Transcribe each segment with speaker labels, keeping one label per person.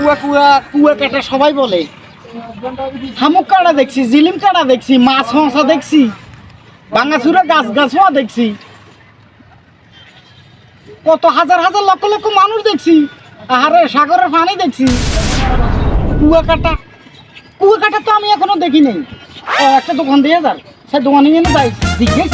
Speaker 1: কুয়া কুয়া কুয়া কাটা সবাই বলে। শামুক কাটা দেখছি, জিলিম কাটা দেখছি, মাছ মশা দেখছি, ভাঙাচুরা গাছ গাছও দেখছি, কত হাজার হাজার লক্ষ লক্ষ মানুষ দেখছি, আহারে সাগরের পানি দেখছি। কুয়া কাটা তো আমি এখনো দেখি নাই। একটা দোকান দিয়ে যান, সে দোকানে নিয়ে যাই জিজ্ঞেস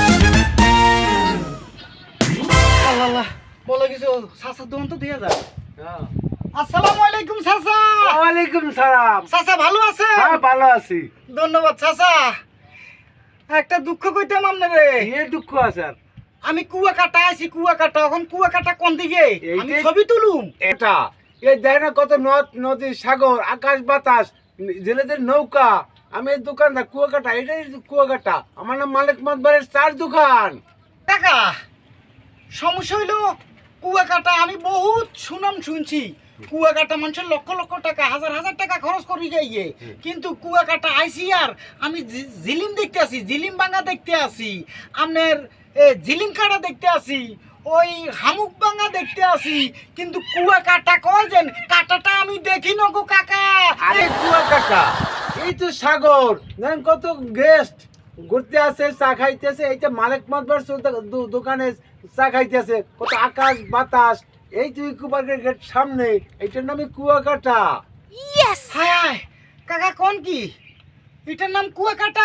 Speaker 1: আল্লাহ বলে কিছু চাচার দোকান তো দিয়ে যান। আসসালামু আলাইকুম চাচা।
Speaker 2: ওয়ালাইকুম সালাম।
Speaker 1: চাচা ভালো আছে?
Speaker 2: হ্যাঁ ভালো আছি।
Speaker 1: ধন্যবাদ চাচা। একটা দুঃখ কইতাম আপনারে।
Speaker 2: এই দুঃখ আছে?
Speaker 1: আমি কুয়া কাটা আছি, কুয়া কাটা। এখন কুয়া কাটা কোন দিকে? আমি
Speaker 2: এইটাই-
Speaker 1: ছবি তুলুম।
Speaker 2: এটা এই দেয় না কত নদ নদী সাগর আকাশ বাতাস জেলেদের নৌকা। আমি এই দোকানটা কুয়াকাটা, এটাই কুয়াকাটা। আমার নাম মালিক মাতবারের চার দোকান।
Speaker 1: কাকা সমস্যা হইলো কুয়া কাটা আমি বহুত সুনাম শুনছি। কুয়া কাটা মানুষের লক্ষ লক্ষ টাকা হাজার হাজার টাকা খরচ করি গিয়ে, কিন্তু কুয়া কাটা আইসি আর আমি জিলিম দেখতে আসি, জিলিম ভাঙা দেখতে আসি, আপনার জিলিম কাটা দেখতে আসি, ওই হামুক ভাঙা দেখতে আসি, কিন্তু কুয়া কাটা কয় যেন কাটাটা আমি দেখি না গো কাকা।
Speaker 2: আরে কুয়াকাটা এই তো সাগর, দেখেন কত গেস্ট ঘুরতে আসে, চা খাইতেছে। এইটা মালিক মাতবার দোকানে চা খাইতেছে। কত আকাশ বাতাস, এই তো ইকোপার্কের গেট সামনে, এইটার নামই কুয়াকাটা।
Speaker 1: হায় হায় কাকা কোন কি এটার নাম কুয়া কাটা?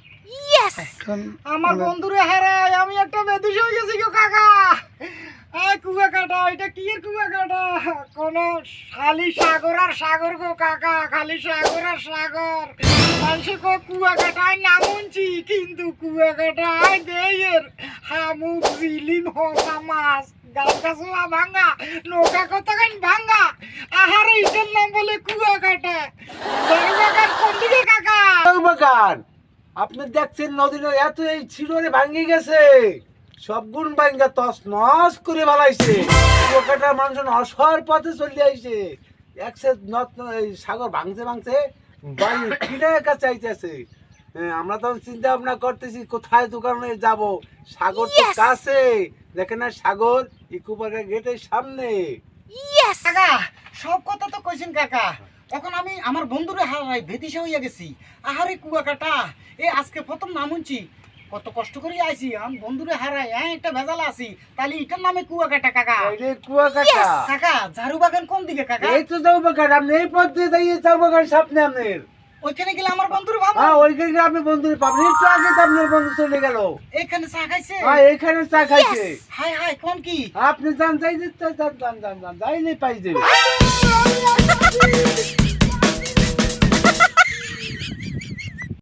Speaker 1: আমার বন্ধুরে হারাই আমি একটা বেদুষ হয়ে গেছি গো কাকা। কুয়া কাটা এটা কি এর কুয়া কাটা? কোন খালি সাগর আর সাগর গো কাকা, খালি সাগর আর সাগর। মানুষ কো কুয়া কাটায় নামুনছি, কিন্তু কুয়া কাটায় দেয়ের হামুক জিলিম হসা মাছ গাছ গাছুয়া ভাঙ্গা নৌকা কতখান ভাঙ্গা। আহারে এটার নাম বলে কুয়া কাটা। বাগান কোন দিকে কাকা?
Speaker 2: বাগান আপনি দেখছেন নদীর এত এই ছিড়রে ভাঙ্গি গেছে, সব গুণ ভাঙ্গা তস নস করে বালাইছে। কুয়াকাটার মানুষ অসহায় পথে চলে আইছে। একসে সাগর ভাঙছে ভাঙছে বাড়ি কিনার কাছে আইতেছে। আমরা তখন চিন্তা ভাবনা করতেছি কোথায় দোকানে যাব। সাগর তো কাছে, দেখেন না সাগর ইকো পার্কের গেটের সামনে।
Speaker 1: কাকা সব কথা তো কইছেন কাকা। এখন আমি আমার বন্ধুরে হারাই ভেতিসা হইয়া গেছি। আহারে কুয়া কাটা আজকে প্রথম নাম শুনছি, কত কষ্ট করে আইছি। আমি বন্ধুরে হারাই একটা ভেজাল আছি, তাহলে এটার নামে কুয়া কাটা কাকা।
Speaker 2: এই কুয়াকাটা
Speaker 1: কাকা ঝাড়ু বাগান কোন দিকে কাকা?
Speaker 2: এই তো যাও বাগান, আপনি এই পথ দিয়ে যাইয়ে যাও বাগান সামনে আপনার।
Speaker 1: ওইখানে গেলে আমার বন্ধুর ভাবো।
Speaker 2: হ্যাঁ ওইখানে আপনি বন্ধু পাবেন। একটু আগে তো আপনার বন্ধু চলে গেল।
Speaker 1: এখানে চা খাইছে?
Speaker 2: হ্যাঁ এখানে চা খাইছে।
Speaker 1: হাই হাই কোন কি?
Speaker 2: আপনি যান যাই যাইলে পাই যাবে।